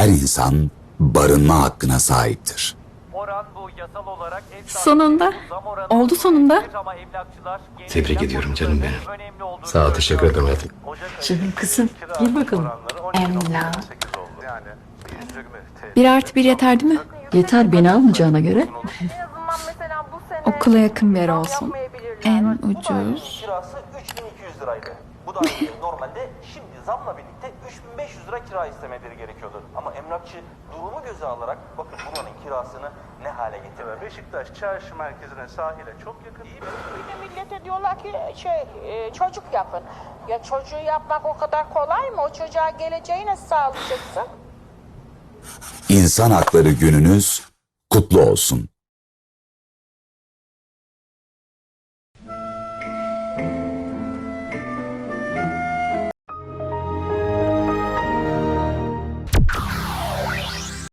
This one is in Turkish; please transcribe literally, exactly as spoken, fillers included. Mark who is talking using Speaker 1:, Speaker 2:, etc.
Speaker 1: her insan barınma hakkına sahiptir.
Speaker 2: Sonunda. Oldu sonunda.
Speaker 3: Tebrik ediyorum canım benim. Sağ ol, teşekkür ederim hayatım.
Speaker 2: Canım kızım. Gir bakalım. Emla. Bir artı bir yeter değil mi?
Speaker 4: Yeter, beni almayacağına göre.
Speaker 2: Okula yakın bir yer olsun. En ucuz.
Speaker 5: Kirası üç bin iki yüz liraydı. Bu da normalde şimdi zamla birlikte üç bin beş yüz lira kira istemeleri gerekiyordu. Ama emlakçı durumu göze alarak bakın buranın kirasını ne hale getirdi.
Speaker 6: Beşiktaş çarşı merkezine, sahile çok yakın. İyi bir
Speaker 7: Bir de millete diyorlar ki şey e, çocuk yapın. Ya çocuğu yapmak o kadar kolay mı? O çocuğa geleceği nasıl sağlayacaksın?
Speaker 1: İnsan Hakları Gününüz kutlu olsun.